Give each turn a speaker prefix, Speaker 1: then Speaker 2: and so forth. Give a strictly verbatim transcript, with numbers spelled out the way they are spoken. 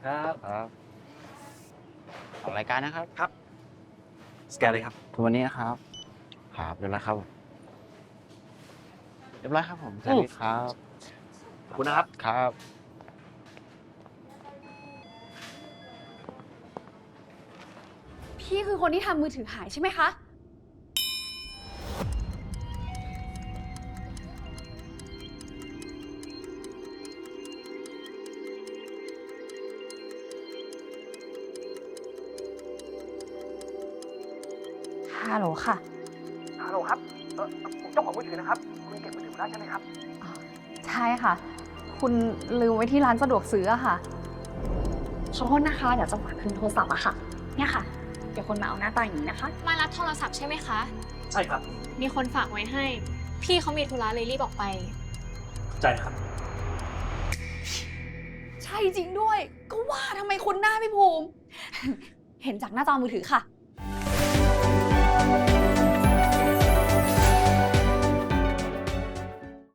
Speaker 1: ครับครับออกรายการนะครับ
Speaker 2: ครับสแกนเลยครับ
Speaker 1: ทุกวันนี้นะครับครับเรียบร้อยครับเรียบร้อยครับผมสวัสดีครับ
Speaker 2: ขอบคุณนะครับ
Speaker 1: ครับ
Speaker 3: พี่คือคนที่ทำมือถือหายใช่ไหมคะ ฮัลโหลค่ะ
Speaker 2: ฮัลโหลครับเออผมเจ้าของมือถือนะครับคุณเก็บมือถือได้ใช่ไหมครับ
Speaker 3: ใช่ค่ะ คุณลืมไว้ที่ร้านสะดวกซื้ออะค่ะขอโทษนะคะ เดี๋ยวจะฝากคืนโทรศัพท์อะค่ะ เนี่ยค่ะ เดี๋ยวคนมาเอาหน้าตาอย่างนี้นะคะ
Speaker 4: มารับโทรศัพท์ใช่ไหมคะ
Speaker 2: ใช่ครับ
Speaker 4: มีคนฝากไว้ให้ พี่เขามีธุระเลยรีบออกไป
Speaker 2: ใจครับ
Speaker 3: ใช่จริงด้วย ก็ว่าทำไมคุณหน้าพี่ภูมิ เห็นจากหน้าจอมือถือค่ะ